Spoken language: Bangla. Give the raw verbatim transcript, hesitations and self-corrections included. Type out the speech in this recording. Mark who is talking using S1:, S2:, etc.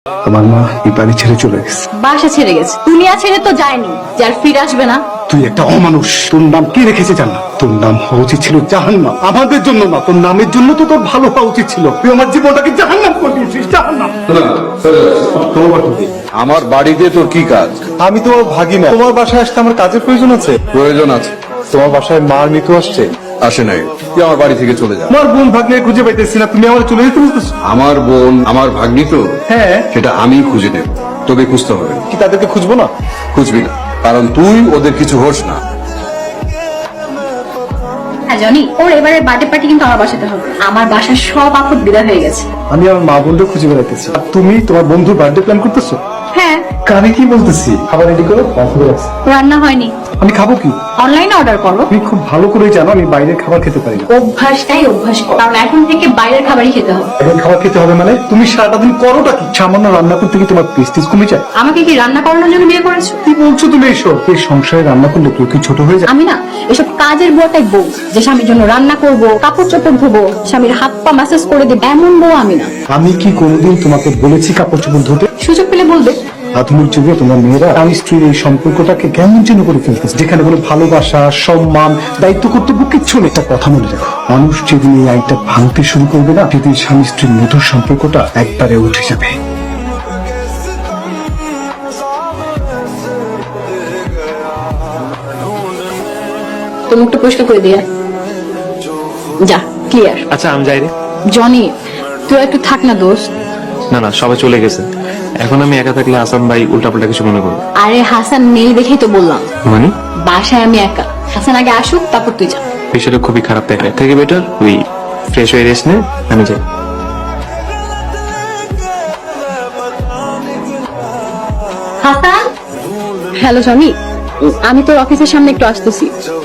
S1: আমার মা এই বাড়ি ছেড়ে চলে গেছে।
S2: বাসা ছেড়ে গেছে, দুনিয়া ছেড়ে তো যায়নি যে আর ফিরে আসবে না।
S1: তুই একটা অমানুষ। তোর নাম কে রেখেছে জান না? তোর নাম হওয়া উচিত ছিল জাহান্নাম। আমাদের জন্য না, তোর নামের জন্য তো তোর ভালো হওয়া উচিত ছিল। তুই আমার জীবনটাকে জাহান্নাম করে দিয়েছিস, জাহান্নাম।
S3: আমার বাড়িতে তোর কি কাজ?
S1: আমি তোমার ভাগিনা, তোমার বাসায় আসতে আমার কাজের প্রয়োজন আছে।
S3: প্রয়োজন আছে?
S1: তোমার বাসায় মার মৃত্যু আসছে।
S3: আসে নাই, তুই আমার বাড়ি থেকে চলে যা।
S1: আমার বোন ভাগ্নে খুঁজে পাইতেছি না, তুমি আমার চলে যেতে বলতেছো?
S3: আমার বোন আমার ভাগ্নি তো,
S1: হ্যাঁ।
S3: সেটা আমি খুঁজে নেব, তোকে খুঁজতে হবে না।
S1: কি তাদেরকে খুঁজবো না?
S3: খুঁজবি না, কারণ তুই ওদের কিছু হোস না।
S2: হ্যাঁ জনি, ওর এবারে বার্থডে পার্টি কিন্তু আমার বাসাতে হবে। আমার বাসার সব আপদ বিদায় হয়ে গেছে।
S1: আমি আমার মা বোনকে খুঁজে বেড়াইতেছি, আর তুমি তোমার বন্ধুর বার্থডে প্ল্যান করতেছো?
S2: হ্যাঁ,
S1: কানে কি বলতেছি? খাবার রেডি করো, অফার আছে।
S2: রান্না হয়নি,
S1: আমি খাবো কি?
S2: অনলাইনে অর্ডার করো।
S1: তুমি খুব ভালো করে জানো আমি বাইরের খাবার খেতে পারি না।
S2: অভ্যাসটাই অভ্যাস করো, কারণ এখন থেকে বাইরের খাবারই খেতে হবে।
S1: এখন খাবার খেতে হবে মানে? তুমি সারাটা দিন করোটা কি? সামান্য রান্না করতে কি তোমার প্রেস্টিজ কমে যায়?
S2: আমাকে কি রান্না করানোর জন্য বিয়ে করেছো?
S1: কি বলছো তুমি এইসব? এই সংসারে রান্না করলে কেউ কি ছোট হয়ে যায়?
S2: আমি না এসব কাজের বুয়াটাই বউ, যে স্বামীর জন্য রান্না করব, কাপড় চোপড় ধোবো, স্বামীর হাত পা ম্যাসেজ করে দেব, এমন বউ আমি না।
S1: আমি কি কোনোদিন তোমাকে বলেছি কাপড় চোপড় ধুতে?
S2: সুযোগ পেলে বলবে।
S1: আধুনিক যুগে তোমার মেয়েরা স্বামী স্ত্রীর এই সম্পর্কটাকে কেমন যেন করে ফেলতেছে, যেখানে কোনো ভালোবাসা, সম্মান, দায়িত্ব কর্তব্য কিচ্ছু নেই। একটা কথা মনে রাখো, মানুষ যেদিন এই আইনটা ভাঙতে শুরু করবে না, সেদিন স্বামী স্ত্রীর মধুর সম্পর্কটা একবারে উঠে যাবে।
S2: তো মুখটা পরিষ্কার করে দিয়ে যা, ক্লিয়ার।
S4: আচ্ছা আমি যাই রে।
S2: জনি, তুই একটু থাক না দোস্ত।
S4: না না, সবাই চলে গেছে, এখন আমি একা থাকলে হাসান ভাই উল্টাপাল্টা কিছু মনে করবে।
S2: আরে হাসান নেই দেখেই তো বললাম,
S4: মানে
S2: বাসায় আমি একা। হাসান আগে আসুক, তারপর তুই যা।
S4: বিষয়টা খুবই খারাপ দেখায়, এর থেকে বেটার তুই ফ্রেশ হয়ে রেস্ট নে, আমি যাই।
S2: হাসান, হ্যালো জনি, আমি তোর অফিসের সামনে একটু আসতেছি।